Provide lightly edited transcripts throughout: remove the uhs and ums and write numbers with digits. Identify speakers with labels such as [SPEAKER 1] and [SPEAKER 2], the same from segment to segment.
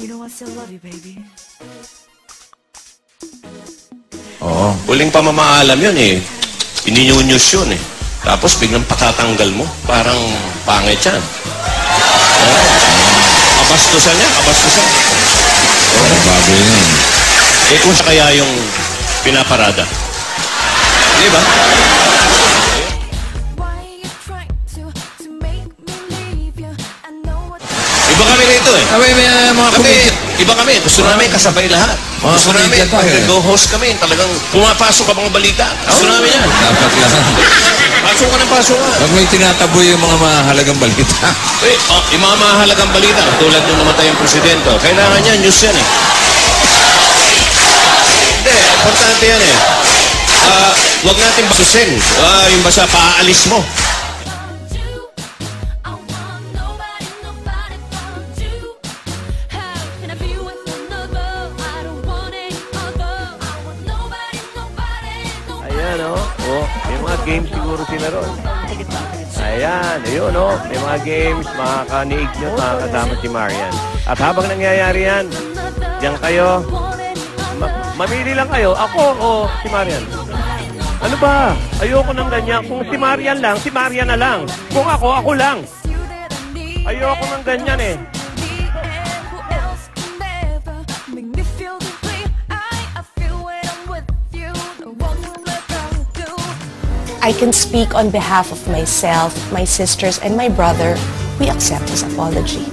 [SPEAKER 1] You know I still love you, baby.
[SPEAKER 2] Oo.
[SPEAKER 3] Huling pamamaalam yun eh. Ininyunyus yun eh. Tapos biglang patatanggal mo. Parang pangit yan. Kabastusan niya, kabastusan.
[SPEAKER 2] Oh, bago yun.
[SPEAKER 3] Eh kung siya kaya yung pinaparada. Di ba? Iba kami rito eh.
[SPEAKER 2] Abay, may mga
[SPEAKER 3] Kami,
[SPEAKER 2] comedian.
[SPEAKER 3] iba kami. Gusto namin kasabay lahat.
[SPEAKER 2] Mga
[SPEAKER 3] Gusto namin,
[SPEAKER 2] comedian tayo eh.
[SPEAKER 3] go-host kami. Talagang pumapasok ka mga balita. Gusto namin yan.
[SPEAKER 2] Dapat lang.
[SPEAKER 3] Pasok ka ng pasok ka.
[SPEAKER 2] Pag may tinataboy yung mga mahalagang balita.
[SPEAKER 3] Eh, yung mga mahalagang balita, tulad nung namatay ang presidente, kailangan yan, news yan eh. Hindi, importante yan eh. Huwag natin basusin. Yung basta paaalis mo.
[SPEAKER 4] Ayan, oh. May mga games siguro sila ron. Ayan, ayun, oh. May mga games, makakaniig nyo, makakasama si Marian. At habang nangyayari yan, diyan kayo, mamili lang kayo, ako o si Marian. Ano ba? Ayoko ng ganyan. Kung si Marian lang, si Marian na lang. Kung ako lang. Ayoko ng ganyan eh.
[SPEAKER 5] I can speak on behalf of myself, my sisters, and my brother. We accept his apology.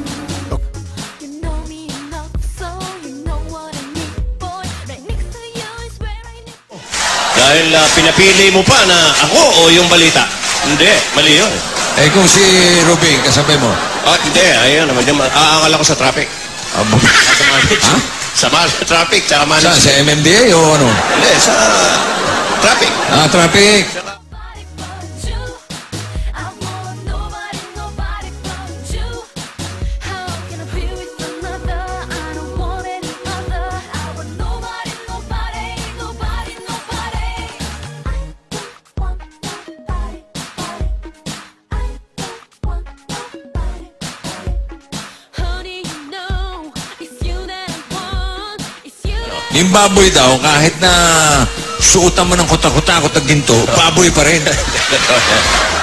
[SPEAKER 3] Dahil pinapili mo pa na ako o yung balita. Hindi, mali yun.
[SPEAKER 2] Eh kung si Rubing, kasabay mo.
[SPEAKER 3] Hindi, ayun naman. Aangal ako sa traffic.
[SPEAKER 2] Abo. Ha?
[SPEAKER 3] Sa traffic, tsaka
[SPEAKER 2] Saan?
[SPEAKER 3] management.
[SPEAKER 2] Sa MMDA o ano?
[SPEAKER 3] Hindi, sa traffic.
[SPEAKER 2] Traffic. Yung baboy daw, kahit na suotan mo ng kuta-kuta, ginto, baboy pa rin.